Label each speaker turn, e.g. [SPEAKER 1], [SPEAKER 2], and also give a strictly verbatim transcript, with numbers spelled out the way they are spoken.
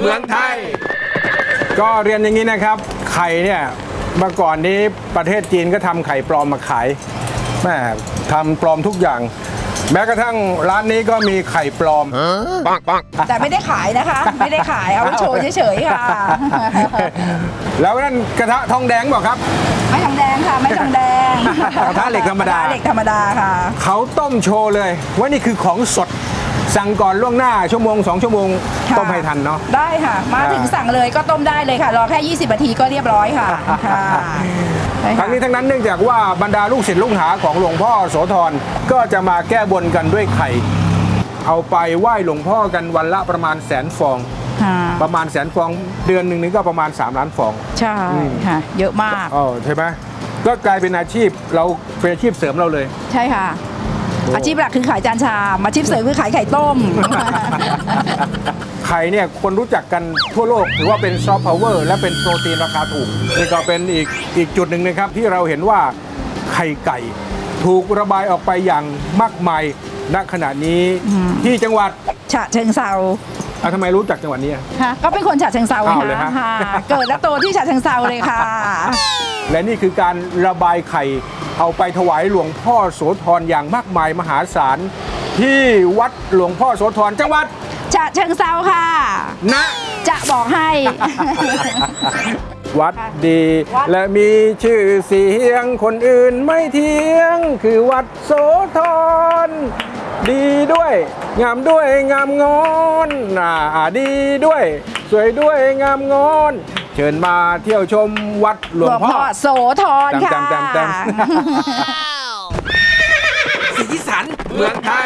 [SPEAKER 1] มืองไทย
[SPEAKER 2] ก็เรียนอย่างนี้นะครับไข่เนี่ยเมื่อก่อนนี้ประเทศจีนก็ทำไข่ปลอมมาขายแม่ทำปลอมทุกอย่าง แม้กระทั่งร้านนี้ก็มีไข่ปลอมปังปัง
[SPEAKER 3] แต่ไม่ได้ขายนะคะ ไม่ได้ขายเอาไว้โชว์เฉยๆค่ะ
[SPEAKER 2] แล้วนั่นกระทะทองแดงบอกครับ
[SPEAKER 3] ไม่ทองแดงค่ะไม่ทองแดง
[SPEAKER 2] กระทะเหล็กธรรมดา
[SPEAKER 3] กะทะเหล็กธรรมดาค่ะ
[SPEAKER 2] เขาต้มโชว์เลยว่านี่คือของสดสั่งก่อนล่วงหน้าชั่วโมงสองชั่วโมง
[SPEAKER 3] ค่ะ
[SPEAKER 2] ต้มให้ทันเนาะ
[SPEAKER 3] ได้ค่ะ มาถึงสั่งเลยก็ต้มได้เลยค่ะรอแค่ยี่สิบนาทีก็เรียบร้อยค่ะค่ะได้
[SPEAKER 2] ทั้
[SPEAKER 3] ค่ะ
[SPEAKER 2] งนี้ทั้งนั้นเนื่องจากว่าบรรดาลูกศิษย์ลูกหาของหลวงพ่อโสธรก็จะมาแก้บนกันด้วยไข่ เอาไปไหว้หลวงพ่อกันวันละประมาณแสนฟอง
[SPEAKER 3] ค่ะ
[SPEAKER 2] ประมาณแสนฟองเดือนหนึ่งนี่ก็ประมาณสามล้านฟอง
[SPEAKER 3] ใช่ค่ะ เยอะมาก
[SPEAKER 2] อ๋อใช่ไหมก็กลายเป็นอาชีพเราเป็นอาชีพเสริมเราเลย
[SPEAKER 3] ใช่ค่ะ อาชีพหลักคือขายจานชามอาชีพเสริมคือขายไข่ต้ม
[SPEAKER 2] ไข่เนี่ยคนรู้จักกันทั่วโลกถือว่าเป็นซอฟต์พาวเวอร์และเป็นโปรตีนราคาถูกนี่ก็เป็นอีกอีกจุดหนึ่งนะครับที่เราเห็นว่าไข่ไก่ถูกระบายออกไปอย่างมากมายณขณะนี้ที่จังหวัด
[SPEAKER 3] ฉะเชิงเซา
[SPEAKER 2] อ่ะทำไมรู้จักจังหวัดนี้อ่ะ
[SPEAKER 3] ค่ะก็เป็นคนฉะเชิงเซาไง
[SPEAKER 2] อ้าวเหรอฮะ
[SPEAKER 3] ค่ะเกิดและโตที่ฉะเชิงเซาเลยค่ะ
[SPEAKER 2] และนี่คือการระบายไข่เอาไปถวายหลวงพ่อโสธรอย่างมากมายมหาศาลที่วัดหลวงพ่อโสธรจังหวัด
[SPEAKER 3] ฉะเชิงเซาค่ะ
[SPEAKER 2] นะ
[SPEAKER 3] จะบอกให้
[SPEAKER 2] วัดดี
[SPEAKER 3] วัด
[SPEAKER 2] และมีชื่อเสียงคนอื่นไม่เทียง คือวัดโสธรดีด้วยงามด้วยงามงอนอ่าดีด้วย สวยด้วยงามงอน เชิญมาเที่ยวชมวัดหลวงพ่อ
[SPEAKER 3] โสธรค่ะ
[SPEAKER 2] แต้มแต้มแต้ม สีสันเมืองไท